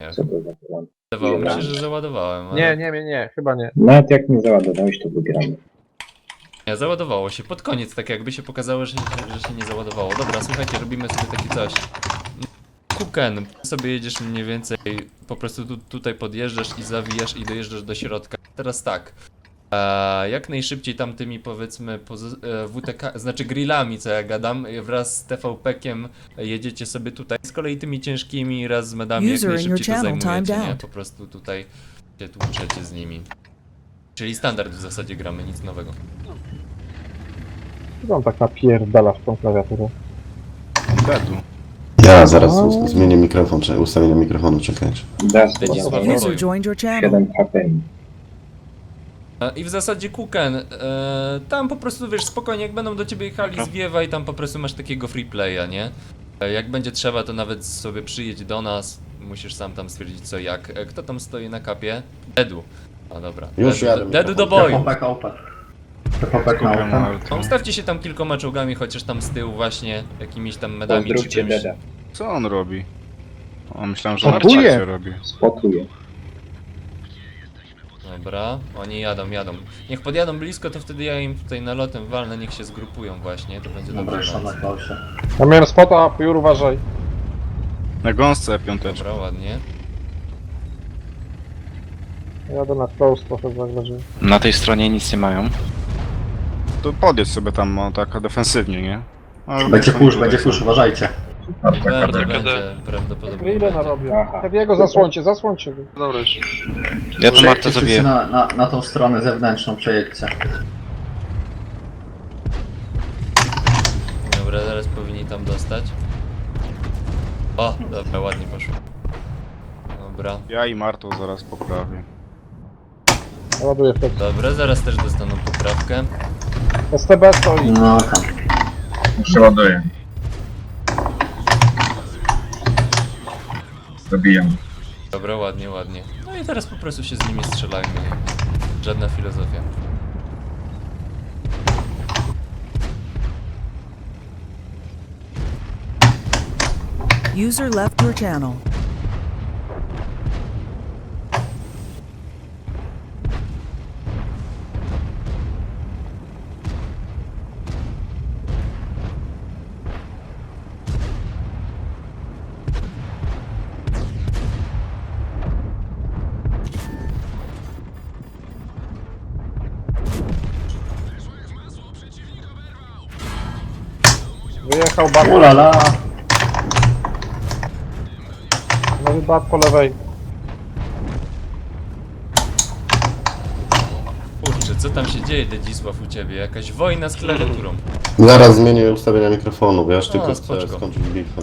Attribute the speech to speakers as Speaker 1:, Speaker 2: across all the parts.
Speaker 1: Co to za plan?
Speaker 2: Wydawało mi się, że załadowałem, ale...
Speaker 3: Nie, chyba nie.
Speaker 1: Nawet jak nie załadowałeś, to wybieramy.
Speaker 2: Nie, załadowało się. Pod koniec tak jakby się pokazało, że się nie załadowało. Dobra, słuchajcie, robimy sobie taki coś. Kuken, sobie jedziesz mniej więcej, po prostu tutaj podjeżdżasz i zawijasz i dojeżdżasz do środka. Teraz tak, jak najszybciej tamtymi powiedzmy WTK, znaczy grillami, co ja gadam, wraz z TVP-kiem jedziecie sobie tutaj. Z kolei tymi ciężkimi raz z medami jak najszybciej to zajmujecie, nie? Po prostu tutaj się tłuczecie z nimi. Czyli standard w zasadzie gramy, nic nowego.
Speaker 3: Chyba on tak napierdala w tą klawiaturę.
Speaker 4: Dedu.
Speaker 5: Ja zaraz zmienię mikrofon, czy ustawienie mikrofonu, czekajcie.
Speaker 1: Dasz
Speaker 2: User
Speaker 6: joined your channel.
Speaker 1: 7 HP.
Speaker 2: I w zasadzie Kuken, tam po prostu wiesz, spokojnie, jak będą do ciebie jechali, zwiewaj, tam po prostu masz takiego free playa, nie? Jak będzie trzeba, to nawet sobie przyjedź do nas, musisz sam tam stwierdzić co jak. Kto tam stoi na kapie? Dedu. A dobra.
Speaker 5: Już jadę.
Speaker 2: Dedu do boju. Ustawcie się tam kilkoma czołgami, chociaż tam z tyłu właśnie, jakimiś tam medami czy
Speaker 1: Pozdrówcie
Speaker 2: czymś.
Speaker 1: Deda.
Speaker 4: Co on robi? O, myślałem, że
Speaker 3: Spotuje.
Speaker 4: narciarcie robi.
Speaker 1: Spotuje.
Speaker 2: Dobra, oni jadą. Niech podjadą blisko, to wtedy ja im tutaj nalotem walnę, niech się zgrupują właśnie, to będzie dobrze.
Speaker 3: Ja miałem spota, Pujur uważaj.
Speaker 4: Na gąsce piąteczka.
Speaker 2: Dobra, ładnie.
Speaker 3: Jadę na close trochę zagrożę.
Speaker 7: Na tej stronie nic nie mają.
Speaker 4: To podjedź sobie tam o, tak defensywnie, nie? No,
Speaker 8: Będzie push, uważajcie.
Speaker 2: Będzie prawdopodobnie.
Speaker 3: Grille narobię.
Speaker 1: Aha.
Speaker 3: Heavy'ego zasłońcie go.
Speaker 7: Dobra już. Ja to Marta
Speaker 8: Wszyscy
Speaker 7: zabiję.
Speaker 8: na tą stronę zewnętrzną przejedźcie.
Speaker 2: Dobra, zaraz powinni tam dostać. O, dobra, ładnie poszło. Dobra,
Speaker 4: Ja i Martą zaraz poprawię.
Speaker 3: Ładuję wtedy.
Speaker 2: dobra, zaraz też dostaną poprawkę.
Speaker 3: STB stoi.
Speaker 8: No tam.
Speaker 9: Przeładuję. Zabijam.
Speaker 2: Dobra, ładnie. No i teraz po prostu się z nimi strzelajmy. Żadna filozofia.
Speaker 6: User left your channel.
Speaker 3: Wyjechał bat.
Speaker 8: Ulala!
Speaker 3: Nowy bat po lewej.
Speaker 2: Kurczę, co tam się dzieje, Dedzisław, u ciebie? Jakaś wojna z klawiaturą.
Speaker 5: Zaraz zmienię ustawienia mikrofonu, bo ja już tylko chcę
Speaker 2: spoczko.
Speaker 5: skończyć bitwę.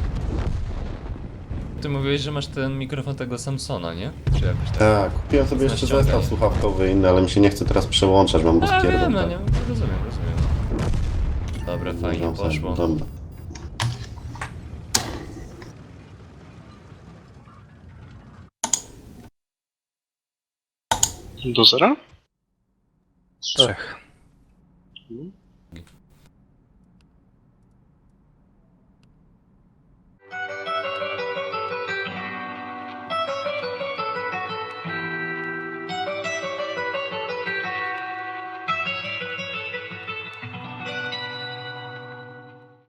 Speaker 2: Ty mówiłeś, że masz ten mikrofon tego Samsona, nie? Czy jakoś tak?
Speaker 5: Tak, kupiłem sobie jeszcze
Speaker 2: Ściągaj.
Speaker 5: zestaw słuchawkowy inny, ale mi się nie chce teraz przełączać, mam go
Speaker 2: A, wiem,
Speaker 5: spierdol.
Speaker 2: no nie, rozumiem. Dobra, fajnie poszło.
Speaker 5: Dobra.
Speaker 7: Do zera?
Speaker 3: 3.